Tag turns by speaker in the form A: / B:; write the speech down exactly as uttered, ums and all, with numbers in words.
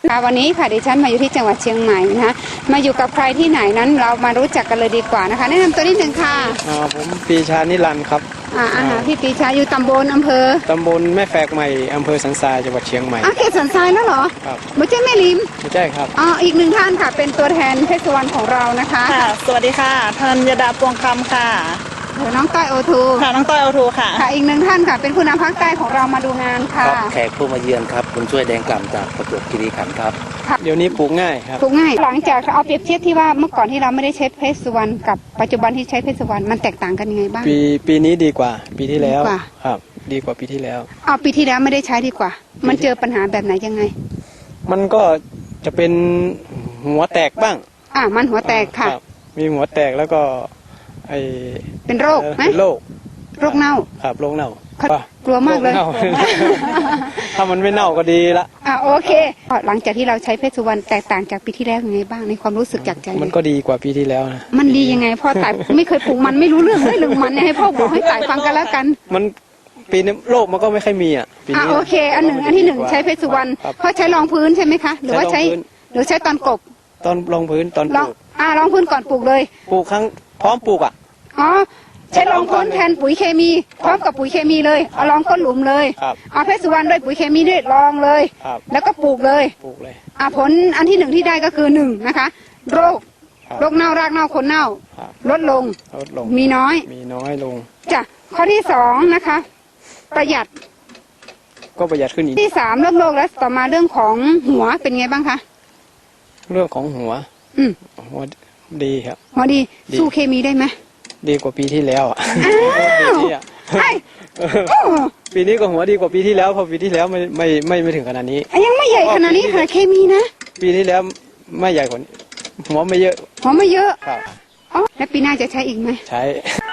A: ค่ะวันนี้ค่ะดิฉันมาอยู่ที่จังหวัดเชียงใหม่นะคะมาอยู่กับใครที่ไหนนั้นเรามารู้จักกันเลยดีกว่านะคะแนะนำตัวนิดนึงค่ะ
B: อ่าผมปีชานิรันดร์ครับ
A: อ่าอาหารพี่ปีชาอยู่ตำบลอำเภอ
B: ตำบลแม่แฝกใหม่อำเภอสันทรายจังหวัดเชียงใหม่
A: อ่ะเขตสันทรายแล้วเหรอ
B: ครับ
A: ไม่ใช่แม่ริม
B: ไม่ใช่ครับ
A: อ๋ออีกหนึ่งท่านค่ะเป็นตัวแทนเทศบาลของเรานะคะ
C: ค่ะสวัสดีค่ะธัญดาปวงคำค่ะ
A: เดี๋ยวน้องต้อยโอทู
C: ค่ะน้องต้อยโอทูค่ะ
A: ค่ะอีกหนึ่งท่านค่ะเป็นผู้นำภาคใต้ของเรามาดูงานค่ะ
D: แขกผู้มาเยือนครับคุณช่วยแดงกล่ำจากประจวบคีรีขันธ์ครับ
B: เดี๋ยวนี้ปลูกง่ายครับ
A: ปลูกง่ายหลังจากเอาเปรียบเทียบที่ว่าเมื่อก่อนที่เราไม่ได้ใช้เพชรสุวรรณกับปัจจุบันที่ใช้เพชรสุวรรณมันแตกต่างกันยังไงบ้าง
B: ปีปีนี้ดีกว่าปีที่แล้ว
A: ดีกว่า
B: ครับดีกว่าปีที่แล้ว
A: เอาปีที่แล้วไม่ได้ใช้ดีกว่ามันเจอปัญหาแบบไหนยังไง
B: มันก็จะเป็นหัวแตกบ้าง
A: อ่ามันหัวแตกค่ะ
B: มีหัวแตกแล้วก็ไอ
A: เป็นโรคไหม
B: เป็นโรค
A: โรคเน่า
B: ครับโรคเน่า
A: กลัวมากเลย
B: ถ้ามันไม่เน่าก็ดีละ
A: อ่าโอเคหลังจากที่เราใช้เพชรสุวรรณแตกต่างจากปีที่แล้วยังไงบ้างในความรู้สึกจากใจ
B: มันก็ดีกว่าปีที่แล้วนะ
A: มันดียังไงพ่อต่ายไม่เคยปลูกมันไม่รู้เรื่องเลยเรื่องมันเนี่ยให้พ่อบอกให้ต่ายฟังกันแล้วกัน
B: มันปีนี้โรคมันก็ไม่ค่อยมีอ่ะปีนี้
A: อ่าโอเคอันหนึ่งอันที่หนึ่งใช้เพชรสุวรรณพ่อใช้รองพื้นใช่ไหมคะหรือว่าใช้หรือใช้ตอนกบ
B: ตอนรองพื้นตอนปลูก
A: อ่ารองพื้นก่อนปลูกเลย
B: ปลูกครั้งพร้อมปลูกอ่ะ
A: อ๋อใช้รองพื้นแทนปุ๋ยเคมีพร้อมกับปุ๋ยเคมีเลยเอารองก้นหลุมเลยเอาเพชรสุวรรณด้วยปุ๋ยเคมีด้วยรองเลยแล้วก็ปลูกเลย
B: ปลูกเลย
A: อ่าผลอันที่หนึ่งที่ได้ก็คือหนึ่งนะคะโรคโรคเน่ารากเน่าคนเน่าลดลง
B: ลดลง
A: มีน้อย
B: มีน้อยลง
A: จ้ะข้อที่สองนะคะประหยัด
B: ก็ประหยัดขึ้นอีก
A: ที่สามเรื่องโรคและต่อมาเรื่องของหัวเป็นไงบ้างคะ
B: เรื่องของหัว
A: อืม
B: หัวดีครับ
A: หัวดีสู้เคมีได้ไหม
B: ดีกว่าปีที่แล้วอ่ะปีนี้ก็หัวดีกว่าปีที่แล้วเพราะปีที่แล้วไม่ไม่ไม่ไม่ถึงขนาดนี้
A: ยังไม่ใหญ่ขนาดนี้ค่ะเคมีนะ
B: ปีที่แล้วไม่ใหญ่กว่าหัวไม่เยอะ
A: หัวไม่เยอะ
B: ครับ
A: อ๋อแล้วปีหน้าจะใช้อีกไหม
B: ใช้